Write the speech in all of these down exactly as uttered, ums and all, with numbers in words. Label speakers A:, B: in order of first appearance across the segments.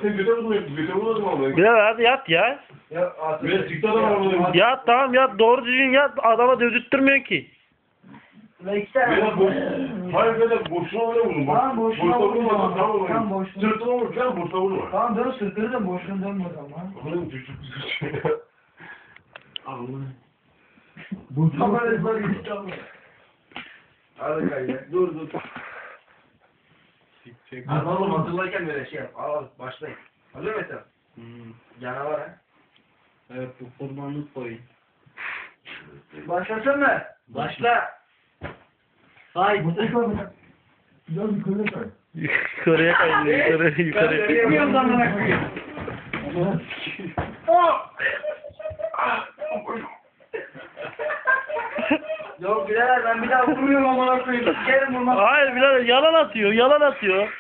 A: Sen göte vurmayın. Göte vurmadın ama.
B: Bilal hadi yat ya.
C: Ya atın.
A: Ben çıktı adam arabadan.
B: Yat tamam yat doğru düzgün yat adama dövdürtmüyor ki.
C: Ve iki tane
A: Ben boş. Hayır ben de boşuna öyle vurdum.
C: Tamam, boşuna vurma.
A: Tamam
C: Tamam,
A: tamam.
C: boşuna.
A: Sırtına vur falan boşuna vurma.
C: Tamam dön sırtını da boşuna dönme o zaman.
A: Oğlum çocuk güzel. Allah'ım.
C: Bu kameraslar gitti ama. Hadi kaydı. Dur dur. Hadi oğlum hatırlarken böyle şey yap. Al başlayın. Hazır mısın? Hmm. Canavar ha.
D: Evet bu kurbanlık koyun.
C: Başlasın mı? Başla.
D: Haydi.
C: Biraz yukarı kay.
B: Yukarıya kaydı yukarı yukarı.
C: Bilmiyorum zamana koyayım. Yok birader ben bir daha vurmuyorum amına koyayım. Sikerim vurmak.
B: Hayır Bilal yalan atıyor yalan atıyor.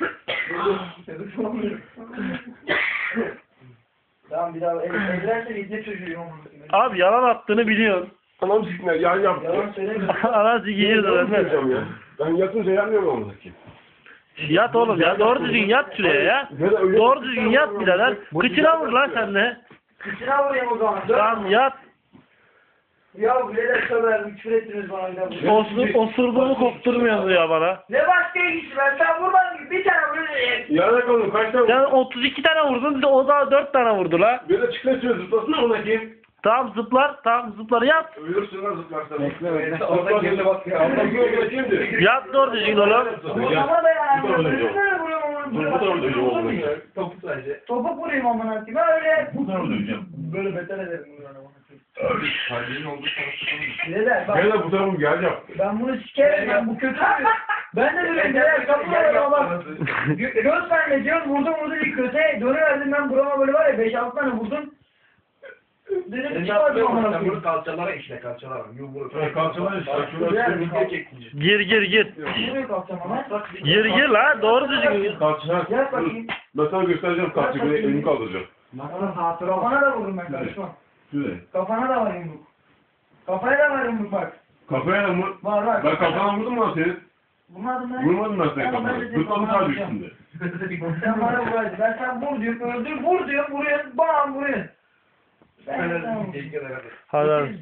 C: Tamam bir daha evlense izle çocuğu amına koyayım.
B: Abi yalan attığını biliyorsun.
A: Anam sikler yan yaptı.
C: Yalan söyleme.
B: Anası giyiyordu
A: Ben
B: benden.
A: yapacağım ya. Ben yatınca yanmıyorum ama ki.
B: Yat oğlum ya doğru düzgün yat şuraya ya. Doğru düzgün yat birader. Kıçına vur lan sen de.
C: Kıçına vurayım o zaman. Dur.
B: Tamam yat.
C: Ya birader söver küfür ettiniz bana bir daha.
B: Osur, osurduğumu kopturmuyorsun ya bana.
C: Ne başka ilgisi ben sen vurmadın ki bir tane vuruyorsun.
A: Yana kalın kaç tane
B: Sen
A: vurdun?
B: otuz iki tane vurdun bir de o da dört tane vurdu la.
A: Bir de çıkmasın zıplasın ona kim?
B: Tamam zıplar tamam zıplar yat.
A: Ölürsün lan zıplarsan.
D: Bekle, bekle.
A: Orada girdi bak ya. Allah güvenle kimdi?
B: Yat doğru düzgün oğlum.
C: Vurmama da yani.
A: Bu da öyle
C: Böyle böyle vuruyorum amına
A: Dur bu da öyle
C: koyayım.
A: diyor.
C: Topu sadece. Topu vurayım amına koyayım öyle.
A: Bu da öyle diyeceğim.
C: Böyle beter ederim bunu amına koyayım.
A: Kalbinin olduğu
C: Birader bak.
A: Gel de bu tarafım gel yap.
C: Ben bunu sikerim ben bu kötü. Ben de böyle birader kapılar ama bak. Gö- Göz benle diyorsun vurdum vurdum ilk köteye dönüverdim ben burama böyle var ya beş altı tane vurdum. Dedim çıkmadım amına koyayım.
E: Kalçalara işle kalçalara.
A: Ha, kalçalar işte.
C: Birader,
A: Şurada
C: kalk-
B: Gir gir gir.
C: Nereye kalkacağım ama?
B: Gir gir la doğru düzgün.
A: kalçalar.
C: Gel bakayım.
A: Ben sana göstereceğim kalçayı. Böyle elimi kaldıracağım.
C: Kafana da vururum ben karışmam.
A: Şuraya.
C: Kafana da var yumruk. Kafaya da var yumruk bak.
A: Kafaya da mı?
C: Var var.
A: Ben kafana vurdum lan senin.
C: Vurmadın lan.
A: Vurmadım ben senin
C: Tamam, ben
A: kafana.
C: de senin
A: Zıpladım
C: kafana
A: sadece
C: vuracağım.
A: üstünde.
C: Sen bana vuraydın. Ben sen vur diyorum öldür vur diyorum vuruyorsun bam vuruyorsun. Ben tamam.
B: Hadi hadi.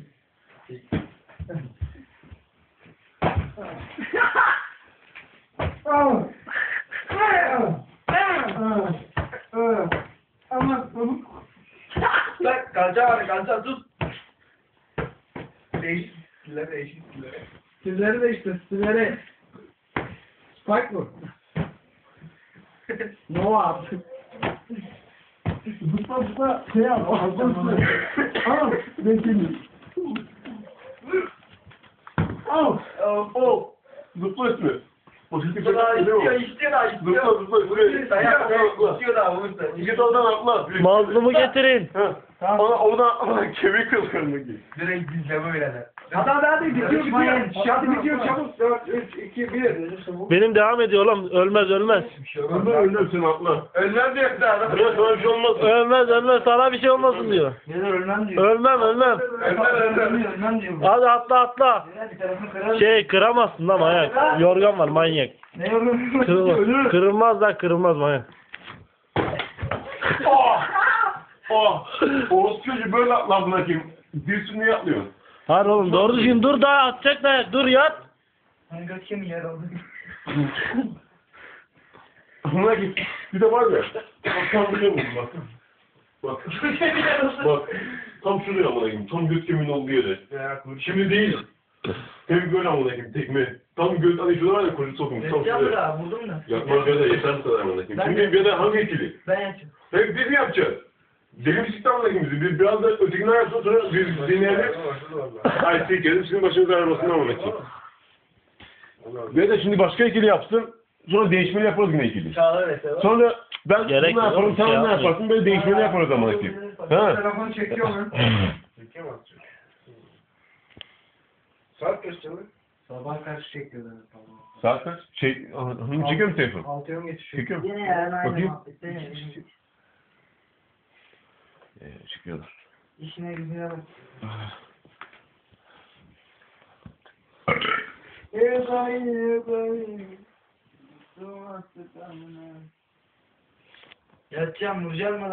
C: Ama
E: Bak kalça var kalça tut. Değişik stiller değişik stiller.
C: Stilleri de işte stilleri. Spike bu. Nova. Zıpla zıpla şey yap. Al. Bekleyin. Al.
E: Oh.
A: Zıpla üstüne. O şekilde
E: Daha
A: değil
E: istiyor
A: mi?
E: istiyor daha
A: Zıpla
E: istiyor.
A: zıpla üstüne.
E: Dayak
A: Atla.
E: istiyor daha vursa.
A: Git oradan atla.
B: Mazlumu getirin.
A: Ha. Ona oradan atla. Kemik kırılır ki.
E: Direkt dizleme öyle.
C: Hadi hadi bitiyor bitiyor.
E: Hadi bitiyor çabuk. dört, üç, iki, bir.
B: Benim devam ediyor oğlum ölmez ölmez.
A: Önden önden sen atla.
E: Ölmem diyor daha adam.
A: Buraya sana bir şey olmaz.
B: Ölmez ölmez sana bir şey olmasın diyor.
C: Neler ölmem diyor.
B: Ölmem ölmem.
E: Ölmem ölmem.
C: Ölmem diyor.
B: Hadi atla atla.
C: Bir tarafını kırarım.
B: Şey kıramazsın lan manyak. Yorgan var manyak.
C: Ne yorulmuş?
B: Kırılmaz, kırılmaz lan kırılmaz manyak.
A: Oh! Oh! Oğuz çocuğu böyle atla bırakayım. Bir sürü atlıyor.
B: Hadi oğlum doğru düzgün dur daha atacak da dur yat.
C: Ben götüm yer oldu.
A: Buna git. Bir de var ya. Bak tam buraya vurdum bak. Bak. Bak. Tam şuraya amına koyayım. Tam göt kemiğinin olduğu yere. Şimdi değil. Hem böyle amına koyayım tekme. Tam göt hani şurada var ya koca sokmuş. Tam
C: Yaptım
A: şuraya.
C: da vurdum da.
A: Yapmaz böyle yeter bu kadar amına koyayım. Şimdi bir de hangi ikili?
C: Ben yapacağım.
A: Peki biz mi yapacağız? Deli bir sistem amına koyayım bizi. Bir- Biraz da ötekinden yapsın sonra biz dinleyelim. Ay sikerim sizin başınıza ağrımasın amına koyayım. Ve de şimdi başka ikili yapsın. Sonra değişmeli yaparız yine ikili.
C: Çağlar mesela.
A: Sonra ben
B: Gerek
A: bunu
B: yok,
A: yaparım, sen
B: şey
A: ne
B: yapmayın.
A: yaparsın, böyle değişmeli yaparız amına koyayım. Ha?
C: Telefonu çekiyor mu?
E: Saat kaç çalıyor?
C: Sabah karşı çekiyorlar.
A: Saat kaç? Şey, hanım çekiyor mu telefon?
C: Altıya mı geçiyor?
A: Çekiyor mu?
C: Yine yarın aynı
A: Bakayım.
C: muhabbette yine.
A: Ee, çekiyorlar.
C: İşine gücüne bak. Yatacağım vuracağım mı?